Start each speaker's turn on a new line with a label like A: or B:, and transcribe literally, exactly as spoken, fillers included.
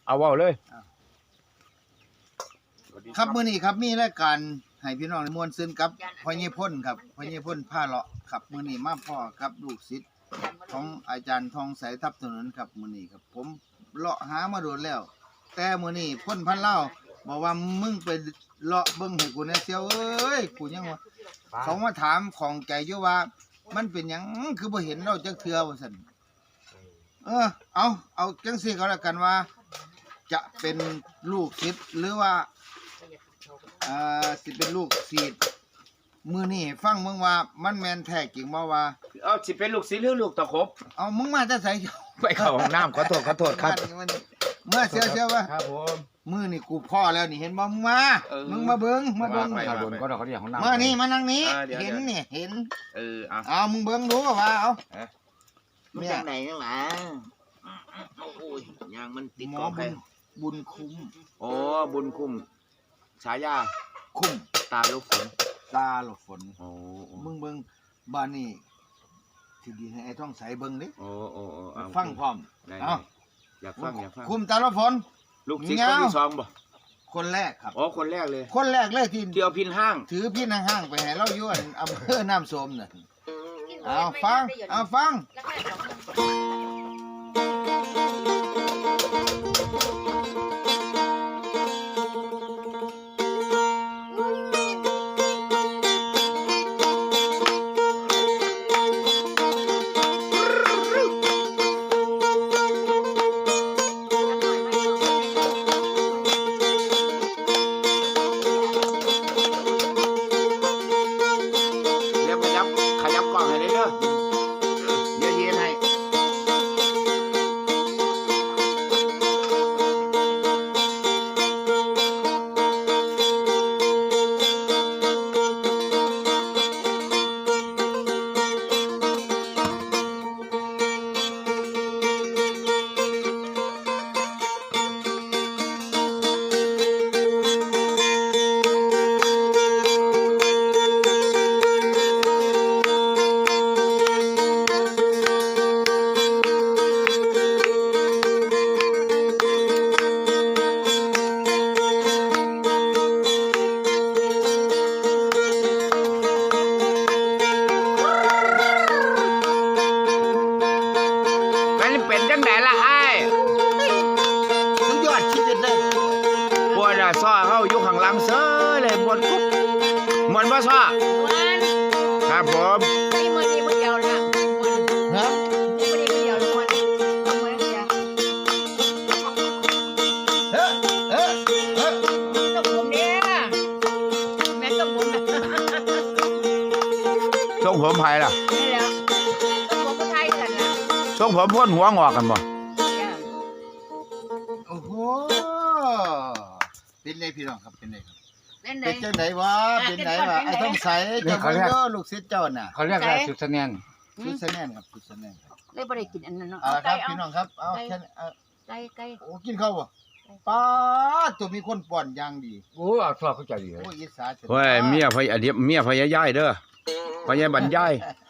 A: เอาเว้าเลย
B: ครับมื้อนี้ครับมีรายการให้พี่น้องได้ม่วนซื่นกับพ่อใหญ่พ่นครับพ่อใหญ่พ่นพาเลาะครับมื้อนี้มาพ่อกับลูกศิษย์ของอาจารย์ทองใสทับถนนครับมื้อนี้ครับผมเลาะหามาโดนแล้วแต่มื้อนี้พ่นพันเล่าบอกว่ามึงไปเลาะเบิ่งให้กูแหน่เสียวเอ้ยกูยังว่าเขามาถามของใจอยู่ว่ามันเป็นหยังคือบ่เห็นเราจักเทื่อว่าซั่นเออเอาเอาจังซี่ก็แล้วกันว่าจะเป็นลูกศิษย์หรือว่าอ่าสิเป็นลูกศิษย์มื้อนี้ฟังมึงว่ามันแม่นแท้จริงบ่ว่า
A: เอาสิเป็นลูกศิษย์หรือลูกตะขบ
B: เอามึงมาแต่ไส
A: ไปเข้าห้องน้ำขอโทษขอโทษครับ
B: เมื่อเสียวเสียวว่า
A: ครับผม
B: มื้อนี่กูพ่อแล้วนี่เห็นบ่มึงมามึงมาเบิ่งมาเบิ่ง
A: ข้างบนก็เขาเรียกห้องน้ำ
B: มานี่มานั่งนี้เห็นนี่เห็น
A: เออเอา
B: เอามึงเบิ่งดูว่าเอา
C: มันจังไหนนั่นล่ะโอ้ยยางมันติด
B: หมอบุญบุญคุ้ม
A: โอ้บุญคุ้มฉายา
B: คุ้ม
A: ตาลูกฝน
B: ตาหลบฝน
A: โอ้
B: มึงเบิ่งบ้านนี่ที่ดีให้ไอ้ท่องใสเบิ่งดิ
A: โอ้โอ้โอ้
B: ฟังพร้อมเอา
A: อยากฟังอยากฟัง
B: คุ้มตาหลบฝน
A: ลูกศิษย์คนที่สองบ่
B: คนแรกครับ
A: อ๋อคนแรกเลย
B: คนแรกเลยที่
A: เที่ยวพินห้าง
B: ถือพินห้างไปให้เราอยู่อำเภอน้ำส้มน่ะเอาฟังเอาฟัง
A: เป็นจังไหนล่ะไอ้
B: สุดยอดชีวิตเลย
A: ปวดอ่ะซ้อเข้าอยู่ข้างหลังเซ้อเลยปวดกุ๊บมวนบ่ซ้อครับผม
C: นี่มื้อนี้มื้อเดียวนะ
B: ฮะ
C: มื้อนี้มื้อเดียวทุกคนเอาไว้จ้ะ
B: เฮ้เฮ้เฮ้
C: ต้องผมเนี่ยแม่ต้องผมนะ
A: ทรงผมไผล่ะ
C: นี่แหละต้องผมก็ไทยกันน่ะ
A: ทรงผมพ่นหัวงอกกันบ่
B: โอ้โหเป็นไงพี่น้องครับเป็นไงครับ
C: เป็นไง
B: เป็นจังไดวะเป็นไงวะไอ้ท่องใสเจ้าบ่เด้อลูกศิษย์เจ้าน่ะ
A: เขาเรียกอะไรสุดสะแนน
B: สุดสะแนนครับสุดสะแนนครับ
C: เลยบ่ได้กินอันนั้นเนาะ
B: เอาครับพี่น้องครับเอาแค่
C: ไก่ไก่
B: โอ้กินข้าวบ่ป๊าดตัวมีคนป้อนอย่างดี
A: โอ้เอาซอเข้าใจดี
B: โอ้อีสา
A: เฮ้ยเมียพยาเมียพยายายเด้อพยาบรรยาย